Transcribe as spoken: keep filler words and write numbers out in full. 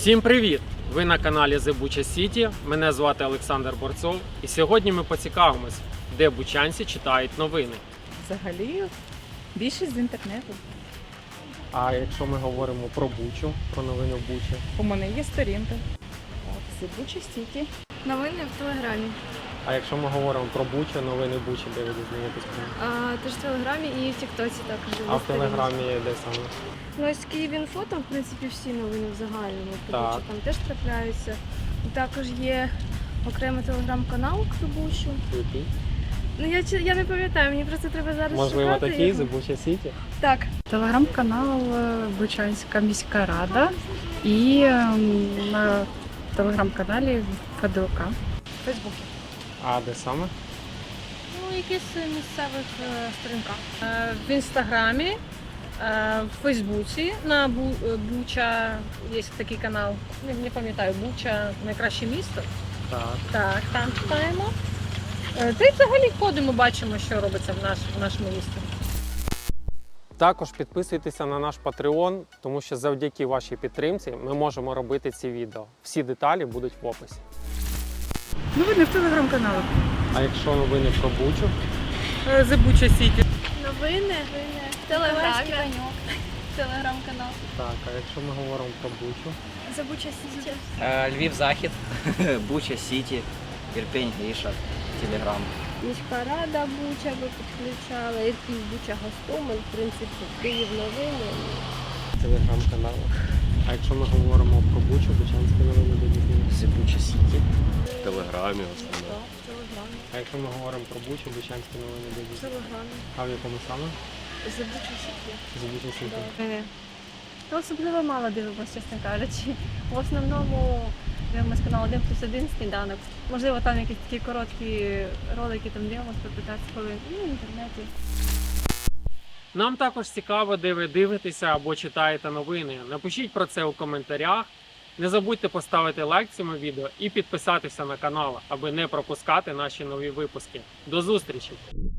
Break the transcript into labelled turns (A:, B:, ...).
A: Всім привіт! Ви на каналі The Bucha City. Мене звати Олександр Борцов. І сьогодні ми поцікавимось, де бучанці читають новини.
B: Взагалі, більшість з інтернету.
A: А якщо ми говоримо про Бучу, про новини в Бучі?
B: У мене є сторінка. Це Bucha City.
C: Новини в Телеграмі.
A: А якщо ми говоримо про Бучу, новини Бучі, де ви дізнаєтесь?
C: А, теж в Телеграмі і в Тіктоці також.
A: А в Телеграмі де саме?
C: Ну, ось Київінфо, там, в принципі, всі новини в загальному.
A: Так.
C: Бучі, там теж трапляються. І також є окремий телеграм-канал про Бучу.
A: Який?
C: Ну, я, чи- я не пам'ятаю, мені просто треба зараз
A: Можливо,
C: шукати
A: такий
C: його.
A: The Bucha City?
C: Так.
B: Телеграм-канал Бучанська міська рада і ем, на телеграм-каналі ФДОК. Фейсбуці.
A: А де саме?
D: Ну, якісь місцевих е, сторінках. Е, в інстаграмі, е, в Фейсбуці, на Бу, е, Буча є такий канал. Не, не пам'ятаю, Буча найкраще місто.
A: Так.
D: Так, там читаємо. Е, та й взагалі ходимо, бачимо, що робиться в, наш, в нашому місті.
A: Також підписуйтеся на наш Patreon, тому що завдяки вашій підтримці ми можемо робити ці відео. Всі деталі будуть в описі.
B: Новини в телеграм-каналах.
A: А якщо новини про Бучу?
B: The Bucha City.
C: Новини в Телеграмі. Телеграм-канал.
A: Так, а якщо ми говоримо про Бучу?
C: The Bucha City.
E: Е, Львів Захід, Буча Сіті, Ірпінь, Гріша, Телеграм.
C: Міська рада Буча би підключала, і Буча Гостомель, в принципі, Київ новини.
A: Телеграм-канал. А якщо ми говоримо про Бучу, бучанські новини де дізнаєтесь?
E: Це Буча Сіті.
F: В Телеграмі в основному.
C: В Телеграмі.
A: А якщо ми говоримо про Бучу, бучанські новини де
C: В
A: дізнаєтесь?
C: Телеграмі.
A: А в якому саме?
C: The Bucha City.
A: З Буча Сіті.
D: Ну, особливо мало дивимося, чесно кажучи. В основному дивимося канал один плюс один сніданок. Можливо, там якісь такі короткі ролики, там дивимося по п'ятнадцять хвилин. Ну, в інтернеті.
A: Нам також цікаво, де ви дивитеся або читаєте новини. Напишіть про це у коментарях. Не забудьте поставити лайк цьому відео і підписатися на канал, аби не пропускати наші нові випуски. До зустрічі!